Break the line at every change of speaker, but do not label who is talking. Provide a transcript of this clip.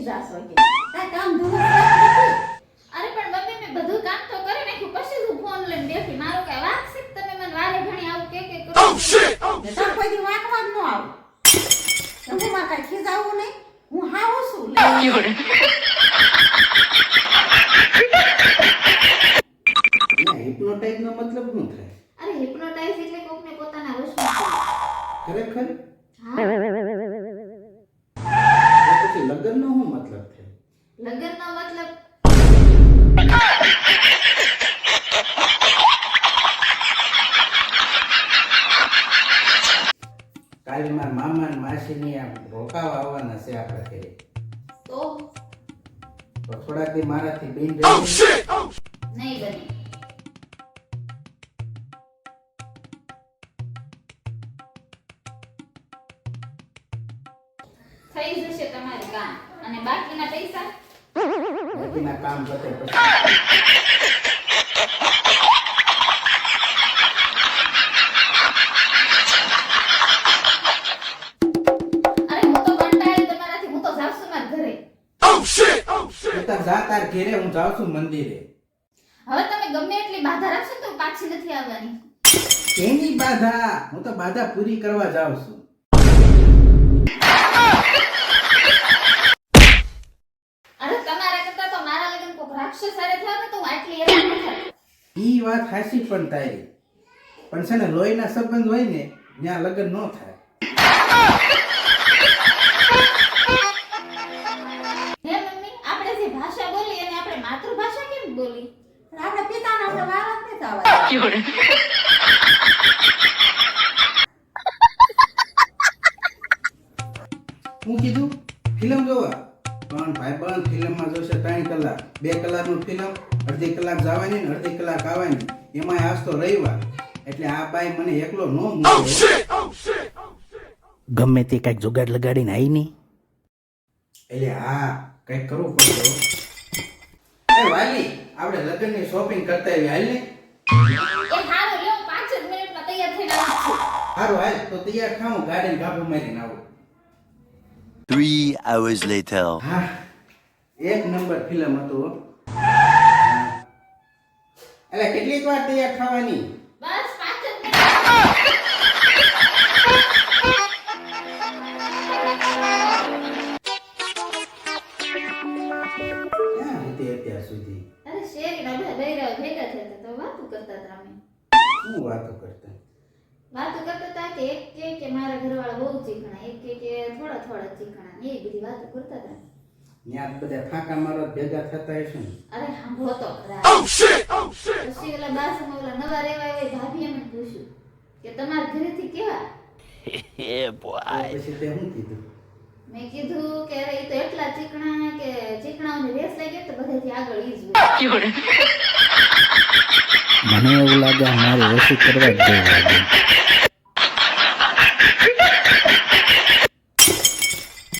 જાસ હોય કે કાઈ કામ ધંધો નથી.
અરે પણ મમ્મી મેં બધું કામ તો કરી નાખ્યું, પછી હું ફોન લઈને બેઠી. મારો કઈ વાક છે કે તમે મને વારે ઘણી આવું કે કરો?
ને તાર કોઈ દી વાંકવા જ ન આવું. તમે માં કાઈ ખીજાવું નહીં, હું હાવ છું.
હિપ્નોટાઇઝ નો મતલબ શું થાય?
અરે હિપ્નોટાઇઝ એટલે કોકને પોતાના વશમાં કરવું.
ખરેખર
હા,
તો પછી લગ્ન નો શું મતલબ થાય?
લગ્નનો મતલબ
કાલે મારા મામા અને માસીની આ રોકાવા આવવાના છે આપણા ઘરે.
તો
તો થોડાક દી મારાથી બિન
નહીં બને. થઈ જશે તમારે કામ અને બાકીના પૈસા
બાકીના કામ પતે પછી
અરે હું તો કંટાળી તમારાથી, હું તો જાઉં છું મારા ઘરે.
તું જા તાર ઘેરે, હું જાઉં છું મંદિરે.
હવે તમે ગમે એટલી બાધા રાખશો ને તો હું પાછી નથી આવવાની.
એની બાધા, હું તો બાધા પૂરી કરવા જાઉં છું.
અરે તમારા કરતા તો મારા લગ્ન કોક રાક્ષસ હારે થયા ને તો હું આટલી હેરાન ન થાત.
ઈ વાત હાચી પણ તારી, પણ છે ને લોહીના સંબંધ હોય ને ત્યાં લગ્ન ન થાય.
હે મમ્મી, આપણે જે ભાષા બોલી એને આપણે માતૃભાષા કેમ બોલી?
પણ આપણે પિતાને આપણે વારા જ નથી આવવા.
હું કીધું ફિલ્મ જોવા, પણ ભાઈબંધ ફિલ્મમાં જોશે 3 કલાક, 2 કલાકનું ફિલ્મ, અડધી કલાક જવાની ને અડધી કલાક આવવાની, એમાંય આજ તો રવિવાર, એટલે આ બાઈ મને એકલો ન મૂકે. ગમે તે કઈક જુગાડ લગાડીને આવી નહીં, એટલે હા કઈક કરવું પડશે. એ વાલી, આપણે લગ્નની શોપિંગ કરતા આવી, હાલ ને.
એ હારું લ્યો, 5 જ મિનિટમાં તૈયાર થઈને આવું છું.
સારું હાલ તો તૈયાર થાઉં, ગાડીને ગાભું મારીને આવું.
3 hours later.
હા, એક નંબર ફિલ્મ હતું હો. એટલે કેટલીક વાર તૈયાર થવાની?
બસ 5 જ મિનિટ.
ક્યાં હતી અત્યાર સુધી?
અરે શેરીના બધા બૈરાઓ ભેગા થયા હતા તો વાતો કરતા હતા અમે.
શું વાતો કરતા?
વાતો કરતા હતા કે એક કે મારા ઘરવાળા બહુ ચીકણા, એક કે થોડા થોડા ચીકણા, ને એ બધી વાતો કરતા હતા.
ત્યાં બધા ફાંકા મારો ભેગા થતા હશે ને?
અરે સાંભળો તો ખરા. પછી ઓલા બાસમાં ઓલા નવા રેવા એવા ભાભીએ મને પૂછ્યું કે તમારા ઘરેથી કેવા?
Yeah,
તો
boy.
પછી તે શું કીધું?
મેં કીધું કે અરે એ તો એટલા ચીકણા કે ચીકણાઓની રેસ લાગી તો બધાથી આગળ ઈ જ હોય.
મને એવું લાગે મારે ઓછું કરવા જ દેવું લાગે.